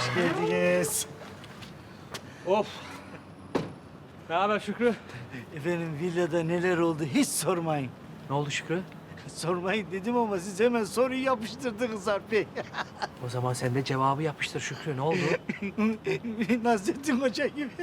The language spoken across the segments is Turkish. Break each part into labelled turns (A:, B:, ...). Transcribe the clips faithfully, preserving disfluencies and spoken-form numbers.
A: Hoş geldiniz.
B: Of. Ne haber Şükrü?
A: Efendim villada neler oldu hiç sormayın.
B: Ne oldu Şükrü?
A: Sormayın dedim ama siz hemen soruyu yapıştırdınız Sarp Bey.
B: O zaman sen de cevabı yapıştır Şükrü. Ne oldu?
A: Nasrettin Hoca gibi.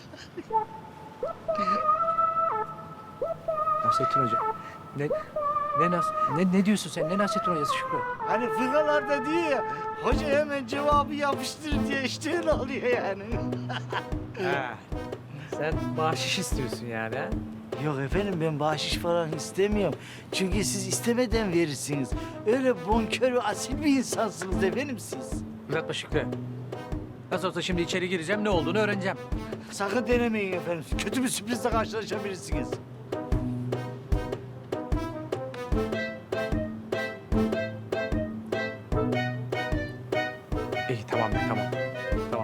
B: Nasrettin Hoca. Ne ne nas ne ne diyorsun sen? Ne Nasrettin Hocası Şükrü?
A: Hani fıkralarda diyor ya, hoca hemen cevabı yapıştır diye işte öyle oluyor yani.
B: Ha. Sen bahşiş istiyorsun yani ha?
A: Yok efendim ben bahşiş falan istemiyorum. Çünkü siz istemeden verirsiniz. Öyle bonkör ve asil bir insansınız efendim siz.
B: Uzatma Şükrü. Nasıl olsa şimdi içeri gireceğim, ne olduğunu öğreneceğim.
A: Sakın denemeyin efendim. Kötü bir sürprizle karşılaşabilirsiniz.
B: İyi tamam be tamam. Tamam.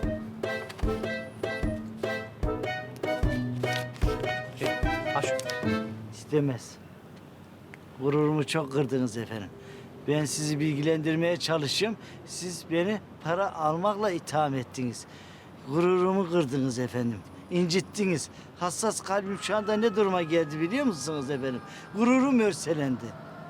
B: İyi, al şunu.
A: İstemez. Gururumu çok kırdınız efendim. Ben sizi bilgilendirmeye çalışıyorum. Siz beni para almakla itham ettiniz. Gururumu kırdınız efendim. İncittiniz. Hassas kalbim şu anda ne duruma geldi biliyor musunuz efendim? Gururum örselendi.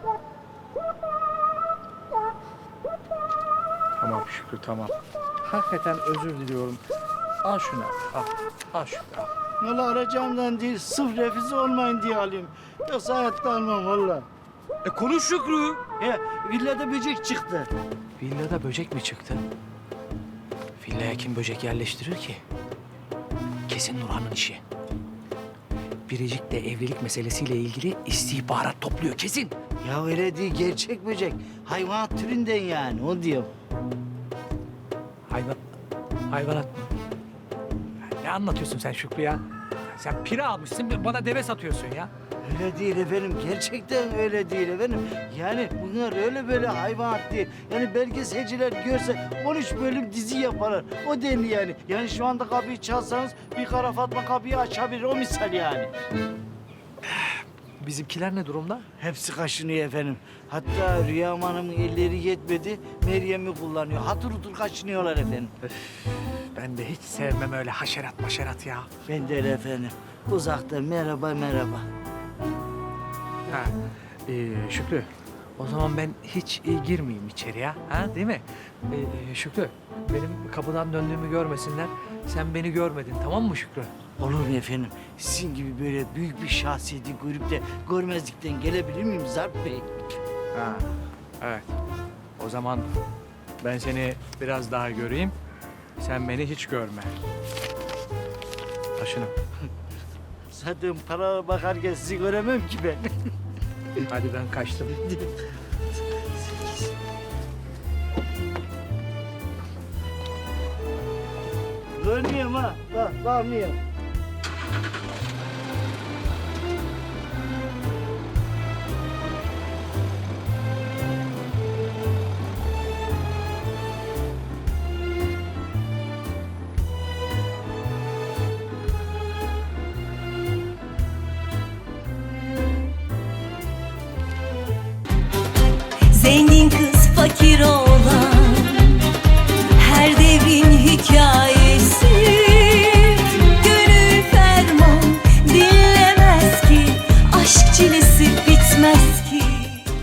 B: Tamam Şükrü tamam. Hakikaten özür diliyorum. Al şunu al. Al Şükrü al.
A: Valla arayacağımdan değil, sırf refüze olmayın diye alayım. Yoksa hayatta almam valla.
B: E konuş Şükrü.
A: Ya villada böcek çıktı.
B: Villada böcek mi çıktı? Villaya kim böcek yerleştirir ki? Kesin Nurhan'ın işi. Biricik de evlilik meselesiyle ilgili istihbarat topluyor kesin.
A: Ya öyle değil, gerçek böcek. Hayvan türünden yani, o diyorum.
B: Hayvan, hayvanat mı? Ya ne anlatıyorsun sen Şükrü ya? Sen pire almışsın bana deve satıyorsun ya.
A: Öyle değil efendim, gerçekten öyle değil efendim. Yani bunlar öyle böyle hayvanat değil. Yani belgeselciler görse on üç bölüm dizi yaparlar. O denli yani. Yani şu anda kapıyı çalsanız bir kara Fatma kapıyı açabilir, o misal yani.
B: Bizimkiler ne durumda?
A: Hepsi kaşınıyor efendim. Hatta Rüyam Hanım'ın elleri yetmedi, Meryem'i kullanıyor. Hatır hutur kaşınıyorlar efendim.
B: Ben de hiç sevmem öyle haşerat maşerat ya.
A: Ben de öyle efendim. Uzakta merhaba merhaba.
B: Ha, ee, Şükrü, o zaman ben hiç e, girmeyeyim içeriye, ha değil mi? Ee, Şükrü, benim kapıdan döndüğümü görmesinler. Sen beni görmedin, tamam mı Şükrü?
A: Olur mu efendim? Sizin gibi böyle büyük bir şahsiyeti görüp de görmezlikten gelebilir miyim Zarp Bey?
B: Ha, evet. O zaman ben seni biraz daha göreyim. Sen beni hiç görme. Taşını.
A: Zaten para bakarken sizi göremem ki ben.
B: Hadi ben kaçtım.
A: Görmüyorum ha. Bak, bakmıyorum.
C: Zengin kız fakir ol